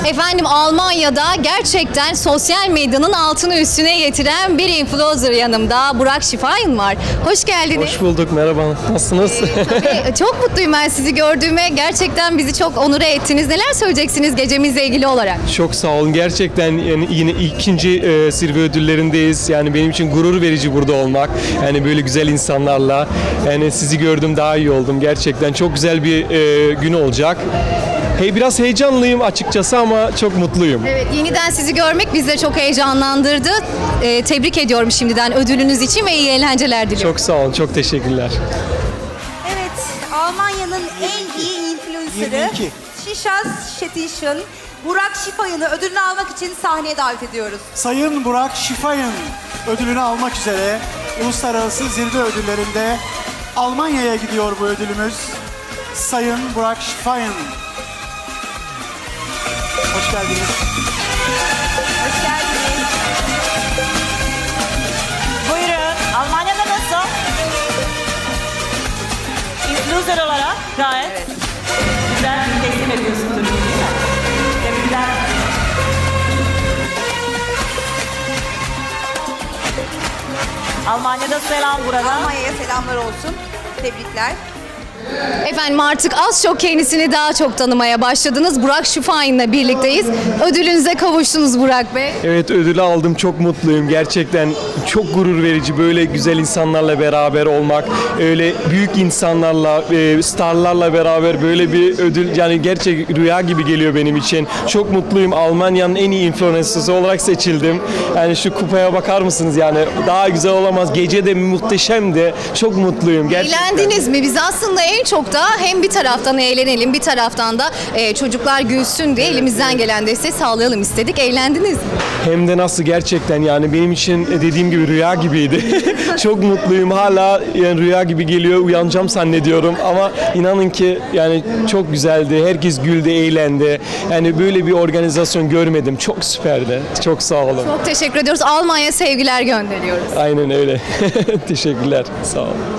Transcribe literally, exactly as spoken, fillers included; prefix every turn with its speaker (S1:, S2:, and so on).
S1: Efendim Almanya'da gerçekten sosyal medyanın altını üstüne getiren bir influencer yanımda. Burak Şifayin var. Hoş geldiniz.
S2: Hoş bulduk, merhaba. Nasılsınız?
S1: Tabii, çok mutluyum ben sizi gördüğüme. Gerçekten bizi çok onure ettiniz. Neler söyleyeceksiniz gecemizle ilgili olarak?
S2: Çok sağ olun. Gerçekten yani yine ikinci e, zirve ödüllerindeyiz. Yani benim için gurur verici burada olmak. Yani böyle güzel insanlarla. Yani sizi gördüm, daha iyi oldum. Gerçekten çok güzel bir e, gün olacak. Hey, biraz heyecanlıyım açıkçası ama çok mutluyum.
S1: Evet, yeniden sizi görmek bizi de çok heyecanlandırdı. Ee, tebrik ediyorum şimdiden ödülünüz için ve iyi eğlenceler diliyorum.
S2: Çok sağ olun, çok teşekkürler.
S3: Evet, Almanya'nın en iyi influencer'ı
S4: yirmi iki.
S3: Şişas Şetişin Burak Şifayın'ı ödülünü almak için sahneye davet ediyoruz.
S4: Sayın Burak Şifayın ödülünü almak üzere Uluslararası Zirve Ödülleri'nde Almanya'ya gidiyor bu ödülümüz. Sayın Burak Şifayın. Hoş geldiniz.
S3: Hoş geldiniz.
S5: Buyurun. Almanya'da nasıl? Influencer olarak gayet güzel bir teslim ediyorsunuz değil mi? Tebrikler. Almanya'da selam burada.
S3: Almanya'ya selamlar olsun. Tebrikler.
S1: Efendim artık az çok kendisini daha çok tanımaya başladınız. Burak Şifayin'le birlikteyiz. Ödülünüze kavuştunuz Burak Bey.
S2: Evet, ödülü aldım, çok mutluyum. Gerçekten çok gurur verici böyle güzel insanlarla beraber olmak. Öyle büyük insanlarla, e, starlarla beraber böyle bir ödül, yani gerçek rüya gibi geliyor benim için. Çok mutluyum. Almanya'nın en iyi influencer'ı olarak seçildim. Yani şu kupaya bakar mısınız yani? Daha güzel olamaz. Gece de muhteşemdi. Çok mutluyum gerçekten.
S1: Eğlendiniz mi? Biz aslında en çok da hem bir taraftan eğlenelim, bir taraftan da e, çocuklar gülsün diye elimizden gelen desteği sağlayalım istedik. Eğlendiniz mi?
S2: Hem de nasıl, gerçekten yani benim için dediğim gibi rüya gibiydi. Çok mutluyum. Hala yani rüya gibi geliyor. Uyanacağım zannediyorum ama inanın ki yani çok güzeldi. Herkes güldü, eğlendi. Yani böyle bir organizasyon görmedim. Çok süperdi. Çok sağ olun.
S1: Çok teşekkür ediyoruz. Almanya sevgiler gönderiyoruz.
S2: Aynen öyle. Teşekkürler. Sağ olun.